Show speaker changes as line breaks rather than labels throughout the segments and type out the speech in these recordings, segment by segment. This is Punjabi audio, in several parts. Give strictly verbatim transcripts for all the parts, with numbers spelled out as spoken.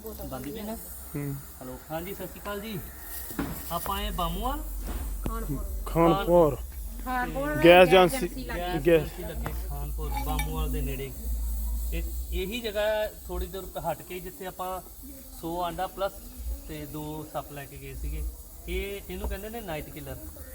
ਬੰਦੀ ਪਈ ਨਾ ਹਲੋ ਹਾਂਜੀ ਸਤਿ ਸ਼੍ਰੀ ਅਕਾਲ ਜੀ ਆਪਾਂ ਆਏ Bamuwal
Khanpur
Khanpur
gas agency
gas
gas
agency ਲੱਗੇ ਖਾਨਪੁਰ ਬਾਮੂਵਾਲ ਦੇ ਨੇੜੇ ਇਹ ਇਹੀ ਜਗ੍ਹਾ ਥੋੜੀ ਦੂਰ ਹਟ ਕੇ ਜਿੱਥੇ ਆਪਾਂ ਸੌ ਆਂਡਾ ਪਲੱਸ ਤੇ ਦੋ ਸੱਪ ਲੈ ਕੇ ਗਏ ਸੀਗੇ ਇਹ ਇਹਨੂੰ ਕਹਿੰਦੇ ਨੇ ਨਾਈਟ ਕਿਲਰ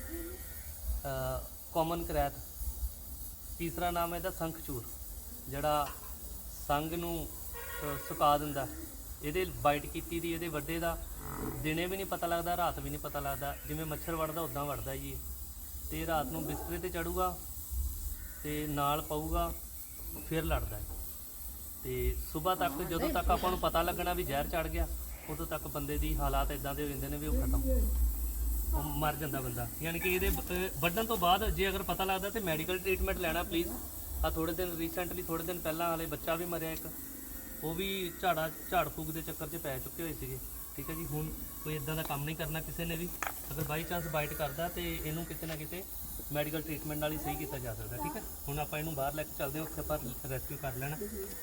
ਕਾਮਨ ਕਰੈਤ ਤੀਸਰਾ ਨਾਮ ਹੈ ਇਹਦਾ ਸੰਖਚੂਰ ਜਿਹੜਾ ਸੰਗ ਨੂੰ ਅ, ਸੁਕਾ ਦਿੰਦਾ ਇਹਦੇ ਬਾਈਟ ਕੀਤੀ ਦੀ ਇਹਦੇ ਵੱਡੇ ਦਾ ਦਿਨੇ ਵੀ ਨਹੀਂ ਪਤਾ ਲੱਗਦਾ ਰਾਤ ਵੀ ਨਹੀਂ ਪਤਾ ਲੱਗਦਾ ਜਿਵੇਂ ਮੱਛਰ ਵੜਦਾ ਉਦਾਂ ਵੜਦਾ ਜੀ ਇਹ। ਤੇ ਰਾਤ ਨੂੰ ਬਿਸਤਰੇ ਤੇ ਚੜੂਗਾ ਤੇ ਨਾਲ ਪਊਗਾ ਫਿਰ ਲੜਦਾ ਹੈ ਤੇ ਸਵੇਰ ਤੱਕ ਜਦੋਂ ਤੱਕ ਆਪਾਂ ਨੂੰ ਪਤਾ ਲੱਗਣਾ ਵੀ ਜ਼ਹਿਰ ਚੜ ਗਿਆ ਉਦੋਂ ਤੱਕ ਬੰਦੇ ਦੀ ਹਾਲਾਤ ਇਦਾਂ ਦੇ ਹੋ ਜਾਂਦੇ ਨੇ ਵੀ ਉਹ ਖਤਮ ਉਹ ਮਰ ਜਾਂਦਾ ਬੰਦਾ ਯਾਨੀ ਕਿ ਇਹਦੇ ਅਹ, ਵੱਢਣ ਤੋਂ ਬਾਅਦ ਜੇ ਅਗਰ ਪਤਾ ਲੱਗਦਾ ਤੇ ਮੈਡੀਕਲ ਟ੍ਰੀਟਮੈਂਟ ਲੈਣਾ ਪਲੀਜ਼ ਆ ਥੋੜੇ ਦਿਨ ਰੀਸੈਂਟਲੀ ਥੋੜੇ ਦਿਨ ਪਹਿਲਾਂ ਹਾਲੇ ਬੱਚਾ ਵੀ ਮਰਿਆ ਇੱਕ ਉਹ ਵੀ ਝਾੜਾ ਝਾੜ ਫੂਕ ਦੇ ਚੱਕਰ 'ਚ ਪੈ ਚੁੱਕੇ ਹੋਏ ਸੀਗੇ ਠੀਕ ਹੈ ਜੀ ਹੁਣ ਕੋਈ ਇਦਾਂ ਦਾ ਕੰਮ ਨਹੀਂ ਕਰਨਾ ਕਿਸੇ ਨੇ ਵੀ ਅਗਰ ਬਾਈ ਚਾਂਸ ਬਾਈਟ ਕਰਦਾ ਤੇ ਇਹਨੂੰ ਕਿਤੇ ਨਾ ਕਿਤੇ ਮੈਡੀਕਲ ਟ੍ਰੀਟਮੈਂਟ ਨਾਲ ਹੀ ਸਹੀ ਕੀਤਾ ਜਾ ਸਕਦਾ ਠੀਕ ਹੈ ਹੁਣ ਆਪਾਂ ਇਹਨੂੰ ਬਾਹਰ ਲੈ ਕੇ ਚੱਲਦੇ ਹਾਂ ਉੱਥੇ ਆਪਾਂ ਰੈਸਕਿਊ ਕਰ ਲੈਣਾ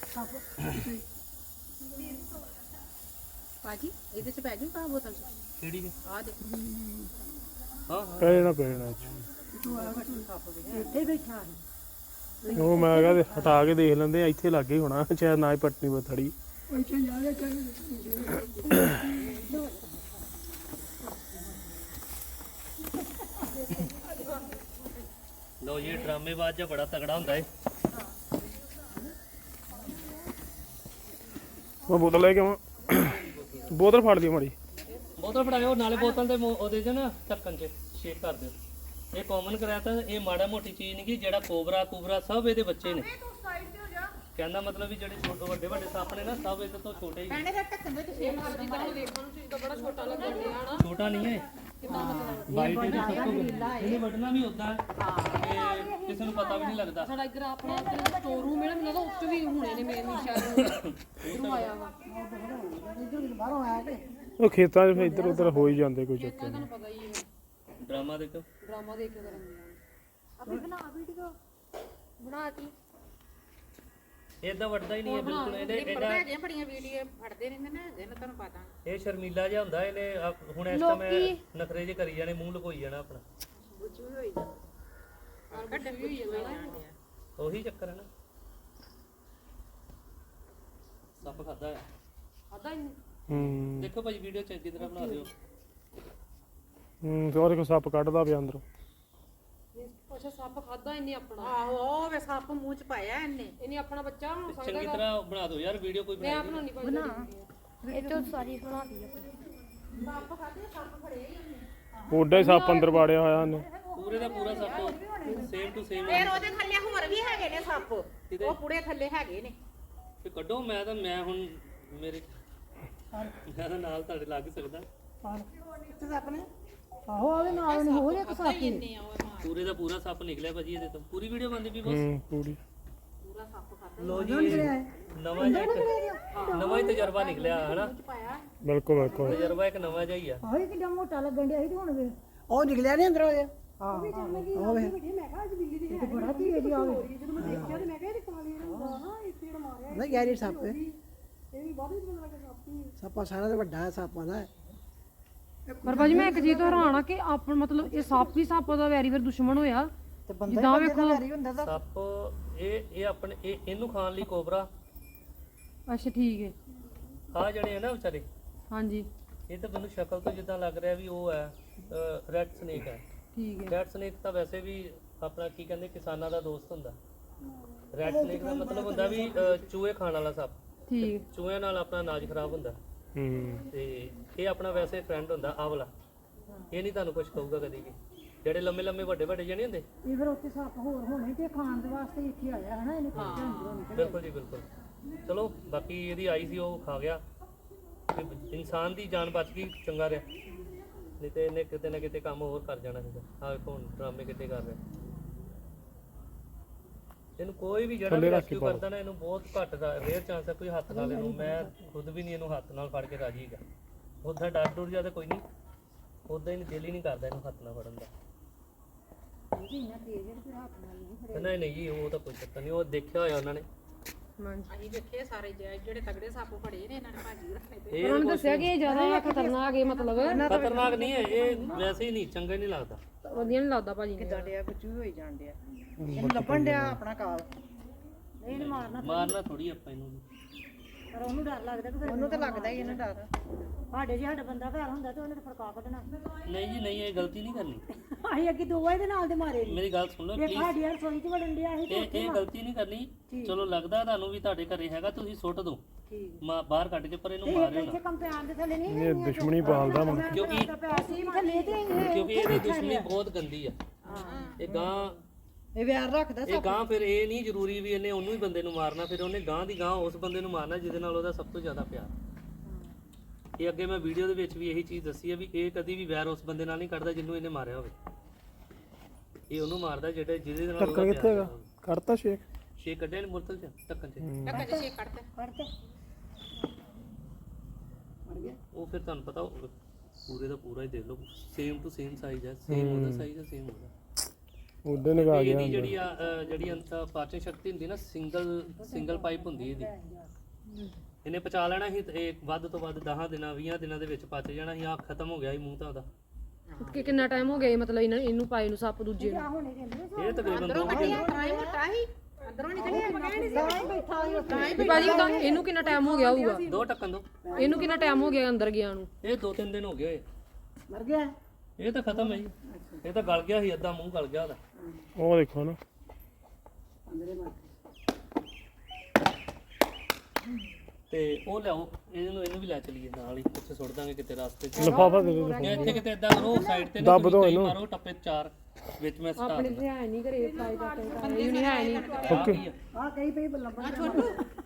ਭਾਜੀ ਇਹਦੇ ਚ ਪੈ ਜੂ ਕਾ ਬੋਤਲ ਚ
ਕਿਹੜੀ ਹੈ
ਆ ਦੇ
ਹਾਂ ਹਾਂ
ਪੈਣਾ ਪੈਣਾ
ਇੱਥੇ ਬੈਠਾ ਹੈ
ਉਹ ਮੈਂ ਕਹਿੰਦਾ ਹਟਾ ਕੇ ਦੇਖ ਲੈਂਦੇ ਆ ਇੱਥੇ ਲੱਗੇ ਹੋਣਾ ਸ਼ਾਇਦ ਨਾ ਹੀ ਪਟਨੀ ਬਥੜੀ
ਲੋ ਇਹ ਡਰਾਮੇਬਾਜ਼ ਜਿਹਾ ਬੜਾ ਤਗੜਾ ਹੁੰਦਾ ਏ
ਮੈਂ ਬੋਤਲ ਲੈ ਕੇ ਆਵਾਂ ਬੋਤਲ ਫੜ ਦਿਓ ਮਾੜੀ
ਬੋਤਲ ਫੜਾਇਓ ਨਾਲੇ ਬੋਤਲ ਦੇ ਮੂੰਹ- ਉਹਦੇ 'ਚ ਨਾ ਢੱਕਣ 'ਚ ਸ਼ੇਕ ਕਰ ਦਿਓ ਇਹ ਕਾਮਨ ਕਰਾਇਆ ਤਾਂ ਇਹ ਮਾੜਾ ਮੋਟੀ ਚੀਜ਼ ਨਹੀਂ ਕਿ ਜਿਹੜਾ ਕੋਬਰਾ ਕੁਬਰਾ ਸਭ ਇਹਦੇ ਬੱਚੇ ਨੇ ਕਹਿੰਦਾ ਮਤਲਬ ਵੀ ਜਿਹੜੇ ਛੋਟੇ ਵੱਡੇ ਵੱਡੇ ਸੱਪ ਨੇ ਨਾ ਸਭ ਇਹਦੇ ਤੋਂ ਛੋਟੇ ਹੀ ਨੇ।
ਇਹਨੇ ਫਿਰ ਢੱਕਣ ਦੇ ਸ਼ੇਪ ਕਰ ਦਿੰਦਾ ਦੇਖਣ ਨੂੰ ਚੀਜ਼ ਤਾਂ ਬੜਾ ਛੋਟਾ ਲੱਗਣ ਡਿਆ ਹਨਾ
ਛੋਟਾ ਨਹੀਂ ਹੈ ਬਾਈਟ ਇਹਦੀ ਸਭ ਤੋਂ ਵੱਡੀ ਇਹਨੇ ਵੱਢਣਾ ਵੀ ਉਦਾਂ ਕਿ ਕਿਸੇ ਨੂੰ ਪਤਾ ਵੀ ਨਹੀਂ ਲੱਗਦਾ
ਸਾਡਾ ਇੱਧਰ ਆਪਣਾ ਸਟੋਰ ਰੂਮ ਹੈ ਮੈਨੂੰ ਲੱਗਦਾ ਉੱਚ ਵੀ ਹੁਣੇ ਨੇ ਮੇਨ ਸ਼ਾਇਦ ਇਧਰੋਂ ਆਇਆ ਵਾ ਬਾਹਰੋਂ ਆਇਆ ਤੇ
ਉਹ ਖੇਤਾਂ 'ਚ ਫਿਰ ਇੱਧਰ ਉੱਧਰ ਹੋ ਹੀ ਜਾਂਦੇ ਕੋਈ ਚੱਕਰ ਨਹੀਂ
ਤੁਹਾਨੂੰ ਪਤਾ ਹੀ ਹੈ
ਡਰਾਮਾ ਦੇਖੋ
ਡਰਾਮਾ ਦੇਖ ਕੇ ਕਰਾਂਗੇ ਅਭੀ ਬਣਾ ਵੀਡੀਓ ਬਣਾਤੀ
ਇਦਾਂ ਵੱਢਦਾ ਹੀ ਨਹੀਂ ਹੈ ਬਿਲਕੁਲ ਇਹਨੇ ਇਹਦਾ
ਹੈਗੇ ਬੜੀਆਂ ਵੀਡੀਓ ਫੜਦੇ ਰਹਿੰਦੇ ਨੇ ਜਿਹਨਾਂ ਤੁਹਾਨੂੰ ਪਤਾ
ਇਹ ਸ਼ਰਮੀਲਾ ਜਿਹਾ ਹੁੰਦਾ ਇਹਨੇ ਆ- ਹੁਣ ਇਸ ਟਾਈਮ ਨਖਰੇ ਜਿਹੇ ਕਰੀ ਜਾਣੇ ਮੂੰਹ ਲੁਕੋਈ ਜਾਣਾ ਆਪਣਾ
ਬੁੱਝੂ ਹੋਈ ਜਾਂਦਾ ਆ ਕੱਢ ਵੀ ਹੋਈ ਜਾਂਦਾ
ਉਹੀ ਚੱਕਰ ਹੈ ਨਾ ਸੱਪ ਖਾਦਾ ਹੈ
ਆਦਾ ਹੀ
ਹੂੰ
ਦੇਖੋ ਭਾਈ ਵੀਡੀਓ ਚੰਗੀ ਤਰ੍ਹਾਂ ਬਣਾ ਦਿਓ
ਹੂੰ ਤੇ ਉਹਦੇ ਕੋਲ ਸੱਪ ਕੱਢਦਾ ਪਿਆ ਅੰਦਰੋਂ
ਅੱਛਾ ਸੱਪ ਖਾਦਾ ਇਹਨੇ ਆਪਣਾ
ਆਹੋ ਉਹ ਵੇ ਸੱਪ ਮੂੰਹ ਚ ਪਾਇਆ ਇਹਨੇ
ਇਹਨੇ ਆਪਣਾ ਬੱਚਾ ਹੁਣ
ਚੰਗੀ ਤਰ੍ਹਾਂ ਬਣਾ ਦਿਓ ਯਾਰ ਵੀਡੀਓ ਕੋਈ
ਮੈਂ
ਬਣਾ
ਬਣਾਉਣੀ ਪਈ
ਇਹ ਤੋਂ ਸਾਰੀ ਬਣਾ ਦੀ
ਓਡਾ ਹੀ ਸੱਪ ਅੰਦਰ ਵਾੜਿਆ ਹੋਇਆ ਉਹਨੇ
ਪੂਰੇ ਦਾ ਪੂਰਾ ਸੱਪ ਸੇਮ ਟੂ ਸੇਮ
ਫਿਰ ਉਹਦੇ ਥੱਲੇ ਹੋਰ ਵੀ ਹੈਗੇ ਨੇ ਸੱਪ ਉਹ ਪੂਰੇ ਥੱਲੇ ਹੈਗੇ ਨੇ
ਤੇ ਕੱਢੋ ਮੈਂ ਤਾਂ ਮੈਂ ਹੁਣ ਮੇਰੇ ਮੈਂ ਤਾਂ ਨਾਲ ਤੁਹਾਡੇ ਲੱਗ ਸਕਦਾ
ਆਹੋ ਉਹਦੇ ਨਾਲ ਨੇ ਹੋਰ ਇੱਕ ਸਾਥੀ
ਇੰਨੇ ਆ ਉਹ ਮਾਂ
ਪੂਰੇ ਦਾ ਪੂਰਾ ਸੱਪ ਨਿਕਲਿਆ ਭਾਜੀ ਇਹਦੇ ਤੋਂ ਪੂਰੀ ਵੀਡੀਓ ਬਣਦੀ ਵੀ ਬਸ
ਹੂੰ ਪੂਰੀ
ਪੂਰਾ ਸੱਪ ਖਾਦਾ
ਲੋ ਜੀ ਨਵਾਂ ਜਿਹਾ ਇੱਕ ਨਵਾਂ ਹੀ ਤਜਰਬਾ ਨਿਕਲਿਆ ਹਨਾ
ਬਿਲਕੁਲ ਬਿਲਕੁਲ
ਤਜਰਬਾ ਇੱਕ ਨਵਾਂ ਜਿਹਾ ਹੀ ਆ
ਆਹੋ ਕਿੰਨਾ ਮੋਟਾ ਲੱਗਣ ਡਿਆ ਸੀ ਤੇ ਹੁਣ ਵੇ
ਉਹ ਨਿਕਲਿਆ ਨਹੀਂ ਅੰਦਰੋਂ ਇਹ
ਹਾਂ ਹੋਵੇ ਇਹ ਬੜਾ ਕੀ ਹੈ ਜੀ ਆਵੇ ਜਦੋਂ ਮੈਂ ਦੇਖਿਆ ਤੇ ਮੈਂ ਕਿਹਾ ਇਹ ਕਾਲੀ ਰੰਗ ਨਾ ਇਹ ਪੀੜ ਮਾਰਿਆ
ਨਹੀਂ ਗੈਰੀ ਸੱਪ ਹੈ
ਇਹ ਵੀ ਬਾਅਦ ਵਿੱਚ ਪਤਾ ਲੱਗਾ ਸਾਪੀ
ਸੱਪਾ ਸਾਰਾ ਤੇ ਵੱਡਾ ਹੈ ਸੱਪਾਂ ਦਾ
ਪਰ ਭਾਜੀ ਮੈਂ ਇੱਕ ਚੀਜ਼ ਤੋਂ ਹੈਰਾਨ ਆ ਕਿ ਆਪਣ ਮਤਲਬ ਇਹ ਸੱਪ ਹੀ ਸੱਪ ਦਾ ਵੈਰੀ ਵਾਰ ਦੁਸ਼ਮਣ ਹੋਇਆ
ਤੇ
ਜਿੱਦਾਂ ਵੇਖੋ
ਹੁੰਦਾ ਤਾਂ
ਸੱਪ ਇਹ ਇਹ ਆਪਣੇ ਇਹ ਇਹਨੂੰ ਖਾਣ ਲਈ ਕੋਬਰਾ
ਅੱਛਾ ਠੀਕ ਹੈ
ਆ ਜਿਹੜੇ ਆ ਨਾ ਵਿਚਾਰੇ
ਹਾਂਜੀ
ਇਹ ਤਾਂ ਮੈਨੂੰ ਸ਼ਕਲ ਤੋਂ ਜਿੱਦਾਂ ਲੱਗ ਰਿਹਾ ਵੀ ਉਹ ਹੈ ਰੈਡ ਸਨੇਕ ਹੈ
ਠੀਕ ਹੈ
ਰੈਡ ਸਨੇਕ ਤਾਂ ਵੈਸੇ ਵੀ ਆਪਣਾ ਕੀ ਕਹਿੰਦੇ ਕਿਸਾਨਾਂ ਦਾ ਦੋਸਤ ਹੁੰਦਾ ਰੈਡ ਸਨੇਕ ਦਾ ਮਤਲਬ ਹੁੰਦਾ ਵੀ ਅ, ਚੂਹੇ ਖਾਣ ਵਾਲਾ ਸੱਪ
ਠੀਕ
ਚੂਹਿਆਂ ਨਾਲ ਆਪਣਾ ਅਨਾਜ ਖਰਾਬ ਹੁੰਦਾ
ਹੂੰ
ਤੇ ਇਹ ਆਪਣਾ ਵੈਸੇ ਫਰੈਂਡ ਹੁੰਦਾ ਆਹ ਵਾਲਾ ਇਹ ਨਹੀਂ ਤੁਹਾਨੂੰ ਕੁਝ ਕਹੂਗਾ ਕਦੀ ਵੀ ਜਿਹੜੇ ਲੰਮੇ ਲੰਮੇ ਵੱਡੇ ਵੱਡੇ ਜਿਹੇ ਨਹੀਂ ਹੁੰਦੇ
ਇਹ ਫਿਰ ਉੱਥੇ ਸੱਪ ਹੋਰ ਹੋਣੇ ਤੇ ਖਾਣ ਦੇ ਵਾਸਤੇ ਇੱਥੇ ਆਇਆ ਹਨਾ ਇਹਨੇ ਖੋਜਿਆ ਅੰਦਰੋਂ ਨਿਕਲ
ਬਿਲਕੁਲ ਜੀ ਬਿਲਕੁਲ ਚਲੋ ਬਾਕੀ ਇਹਦੀ ਆਈ ਸੀ ਉਹ ਖਾ ਗਿਆ ਤੇ ਇਨਸਾਨ ਦੀ ਜਾਨ ਬਚ ਗਈ ਚੰਗਾ ਰਿਹਾ ਨਹੀਂ ਤੇ ਇਹਨੇ ਕਿਤੇ ਨਾ ਕਿਤੇ ਕੰਮ ਹੋਰ ਕਰ ਜਾਣਾ ਸੀਗਾ ਆਹ ਵੇਖੋ ਹੁਣ ਡਰਾਮੇ ਕਿਤੇ ਕਰ ਰਿਹਾ ਇਹਨੂੰ ਕੋਈ ਵੀ ਜਿਹੜਾ ਵੀ ਰੈਸਕਿਊ ਕਰਦਾ ਨਾ ਇਹਨੂੰ ਬਹੁਤ ਘੱਟ ਰੇਅਰ ਚਾਂਸ ਹੈ ਕੋਈ ਹੱਥ ਨਾਲ ਇਹਨੂੰ ਮੈਂ ਖੁਦ ਵੀ ਨਹੀਂ ਇਹਨੂੰ ਹੱਥ ਨਾਲ ਫੜ ਕੇ ਰਾਜੀ ਹੈਗਾ ਉੱਦਾਂ ਡਰ ਡੁਰ ਜਿਆਦਾ ਕੋਈ ਨਹੀਂ ਉੱਦਾਂ ਹੀ ਦਿਲ ਹੀ ਨਹੀਂ ਕਰਦਾ ਇਹਨੂੰ ਹੱਥ ਨਾਲ ਫੜਨ ਦਾ ਨਹੀਂ ਨਹੀਂ ਜੀ ਉਹ ਤਾਂ ਕੋਈ ਚੱਕਰ ਨਹੀਂ ਉਹ ਦੇਖਿਆ ਹੋਇਆ ਉਹਨਾਂ ਨੇ
ਹਾਂਜੀ
ਅਸੀਂ ਵੇਖੇ ਸਾਰੇ ਜਿਹੜੇ ਜਿਹੜੇ ਤਗੜੇ ਸੱਪ ਫੜੇ ਨੇ ਇਹਨਾਂ ਨੇ ਭਾਜੀ ਰੱਖੇ ਤੇ
ਇਹ
ਉਹਨਾਂ ਨੇ ਦੱਸਿਆ ਕਿ ਇਹ ਜ਼ਿਆਦਾ ਖਤਰਨਾਕ ਹੈ ਮਤਲਬ
ਖਤਰਨਾਕ ਨਹੀਂ ਹੈ ਇਹ, ਵੈਸੇ ਹੀ ਨਹੀਂ ਚੰਗਾ ਹੀ ਨਹੀਂ ਲੱਗਦਾ।
ਵਧੀਆ ਨਹੀਂ ਲੱਗਦਾ ਭਾਜੀ ਨੇ
ਕਿੱਦਾਂ ਡਿਆ ਬੱਚੂ ਹੋਈ ਜਾਣ ਡਿਆ ਇਹਨੂੰ ਲੱਭਣ ਡਿਆ ਆਪਣਾ ਕਾਲ
ਇਹਨੂੰ ਮਾਰਨਾ
ਮਾਰਨਾ ਥੋੜੀ ਆਪਾਂ ਇਹਨੂੰ ਵੀ।
ਪਰ ਉਹਨੂੰ ਡਰ ਲੱਗਦਾ ਕਿ ਫਿਰ
ਉਹਨੂੰ ਤਾਂ ਲੱਗਦਾ ਹੀ ਇਹਨੂੰ ਡਰ
ਸਾਡੇ ਜੇ ਸਾਡਾ ਬੰਦਾ ਘਰ ਹੁੰਦਾ ਤੇ ਉਹਨੇ ਤਾਂ ਫੜਕਾ ਕੱਢਣਾ
ਨਹੀਂ ਜੀ ਨਹੀਂ, ਇਹ ਗਲਤੀ ਨਹੀਂ ਕਰਨੀ।
ਅਸੀਂ ਅੱਗੇ ਦੋ ਵਾਰ ਦੇ ਨਾਲ ਦੇ ਮਾਰੇ ਨੇ
ਮੇਰੀ ਗੱਲ ਸੁਣ ਲਓ
ਇੱਕ
ਪਲੀਜ਼।
ਸਾਡੀ ਯਾਰ ਰਸੋਈ ਚ ਵੜਨ ਡਿਆ ਸੀ ਤੇ
ਇਹ ਇਹ ਗਲਤੀ ਨਹੀਂ ਕਰਨੀ। ਚਲੋ ਲੱਗਦਾ ਤੁਹਾਨੂੰ ਵੀ ਤੁਹਾਡੇ ਘਰੇ ਹੈਗਾ, ਤੁਸੀਂ ਸੁੱਟ ਦਿਓ ਮਾ ਬਾਹਰ ਕੱਢ ਕੇ, ਪਰ ਇਹਨੂੰ ਮਾਰਿਓ
ਇੱਥੇ
ਨਾ,
ਕੰਪਿਆਨ ਦੇ ਥੱਲੇ ਨਹੀਂ
ਇਹ ਦੁਸ਼ਮਣੀ ਪਾਲਦਾ ਮੁੰਡਾ।
ਕਿਉਂਕਿ
ਅਸੀਂ ਥੱਲੇ ਤੇ ਇਹ
ਕਿਉਂਕਿ ਇਹਦੀ ਦੁਸ਼ਮਣੀ ਬਹੁਤ ਗੰਦੀ ਆ। ਇਹ ਗਾਂ
ਇਹ ਵਿਆਰ ਰੱਖਦਾ
ਇਹ ਗਾਂ ਫਿਰ ਇਹ ਨਹੀਂ ਜ਼ਰੂਰੀ ਵੀ ਇਹਨੇ ਉਹਨੂੰ ਹੀ ਬੰਦੇ ਨੂੰ ਮਾਰਨਾ, ਫਿਰ ਉਹਨੇ ਗਾਂ ਦੀ ਗਾਂ ਉਸ ਬੰਦੇ ਨੂੰ ਮਾਰਨਾ ਜਿਹਦੇ ਨਾਲ ਉਹਦਾ ਸਭ ਤੋਂ ਜ਼ਿਆਦਾ ਪਿਆਰ। ਇਹ ਅੱਗੇ ਮੈਂ ਵੀਡੀਓ ਦੇ ਵਿੱਚ ਵੀ ਇਹੀ ਚੀਜ਼ ਦੱਸੀ ਹੈ ਵੀ ਇਹ ਕਦੀ ਵੀ ਵੈਰ ਉਸ ਬੰਦੇ ਨਾਲ ਨਹੀਂ ਕੱਢਦਾ ਜਿਹਨੂੰ ਇਹਨੇ ਮਾਰਿਆ ਹੋਵੇ। ਇਹ ਉਹਨੂੰ ਮਾਰਦਾ ਜਿਹੜਾ ਜਿਹਦੇ ਨਾਲ ਉਹਦਾ
ਢੱਕਣ ਕਿੱਥੇ ਹੈਗਾ?
ਪਿਆਰ।
ਕੱਢਤਾ ਸ਼ੇਕ।
ਛੇ ਕੱਢੇ ਨੇ ਮੁਰਤਲ ਚ ਢੱਕਣ ਚ,
ਟੱਕਾ ਚ ਛੇ ਕੱਢਦੇ
ਫੜਤੇ
ਉਹ ਫਿਰ ਤੁਹਾਨੂੰ ਪਤਾ ਉਹ ਪੂਰੇ ਦਾ ਪੂਰਾ ਹੀ ਦੇਖ ਲਓ, ਸੇਮ ਟੂ ਸੇਮ ਸਾਈਜ਼ ਹੈ, ਸੇਮ ਉਹਦਾ ਸਾਈਜ਼ ਹੈ, ਸੇਮ ਉਹਦਾ।
ਉਹਦੇ ਨਿਕਾ ਗਿਆ
ਇਹਦੀ ਜਿਹੜੀ ਆ ਅ, ਜਿਹੜੀ ਅੰਤ ਪਾਚਨ ਸ਼ਕਤੀ ਹੁੰਦੀ ਨਾ, ਸਿੰਗਲ ਸਿੰਗਲ ਪਾਈਪ ਹੁੰਦੀ ਇਹਦੀ। ਇਹਨੇ ਪਚਾ ਲੈਣਾ ਸੀ ਤੇ ਇਹ ਵੱਧ ਤੋਂ ਵੱਧ ਦਸ ਦਿਨਾਂ ਵੀਹ ਦਿਨਾਂ ਦੇ ਵਿੱਚ ਪਚ ਜਾਣਾ ਸੀ। ਆ ਖਤਮ ਹੋ ਗਿਆ ਸੀ ਮੂੰਹ ਤਾਂ ਉਹਦਾ।
ਕਿ ਕਿੰਨਾ ਟਾਈਮ ਹੋ ਗਿਆ ਇਹ ਮਤਲਬ ਇਹਨਾਂ ਇਹਨੂੰ ਪਾਏ ਨੂੰ ਸੱਪ ਦੂਜੇ ਨੂੰ
ਇਹ ਤਕਰੀਬਨ ਦੋ ਮਹੀਨੇ
ਤਾਂ ਹੀ ਮੋਟਾ ਸੀ ਅੰਦਰੋਂ ਨਿਕਲਿਆ ਨਹੀਂ
ਵੀ ਭਾਜੀ ਉਹਦਾ ਇਹਨੂੰ ਕਿੰਨਾ ਟਾਈਮ ਹੋ ਗਿਆ ਹੋਊਗਾ?
ਦੋ ਟੱਕਣ ਦੋ।
ਇਹਨੂੰ ਕਿੰਨਾ ਟਾਈਮ ਹੋ ਗਿਆ ਅੰਦਰ ਗਿਆ ਨੂੰ?
ਇਹ ਦੋ ਤਿੰਨ ਦਿਨ ਹੋ ਗਏ ਹੋਏ।
ਮਰ ਗਿਆ
ਇਹ ਤਾਂ ਖਤਮ ਹੈ ਜੀ। ਇਹ ਤਾਂ ਗਲ ਗਿਆ ਸੀ, ਅੱਧਾ ਮੂੰਹ ਗਲ ਗਿਆ ਉਹਦਾ।
ਉਹ ਦੇਖੋ ਨਾ,
ਤੇ ਉਹ ਲਿਆਓ ਇਹਨੂੰ ਇਹਨੂੰ ਵੀ ਲੈ ਚਲੀਏ ਨਾਲ ਹੀ, ਉੱਥੇ ਸੁੱਟ ਦਾਂਗੇ ਕਿਤੇ ਰਸਤੇ 'ਚ।
ਲਿਫਾਫਾ ਦੇ ਦਿਓ।
ਜਾਂ ਇੱਥੇ ਕਿਤੇ ਇਦਾਂ ਕਰੋ ਸਾਈਡ ਤੇ
ਦੱਬ ਦਿਓ
ਕਈ
ਇਹਨੂੰ।
ਮਾਰੋ ਟੱਪੇ ਚਾਰ ਵਿੱਚ ਮੈਂ ਸਟਾਰ
ਆਪਣੇ ਤੇ ਹੈ ਨਹੀਂ ਘਰੇ ਫਲਾਈ ਦਾ ਇਹ ਨਹੀਂ ਹੈ ਨਹੀਂ
ਓਕੇ।
ਆ ਕਈ ਪਈ ਲੱਭਣ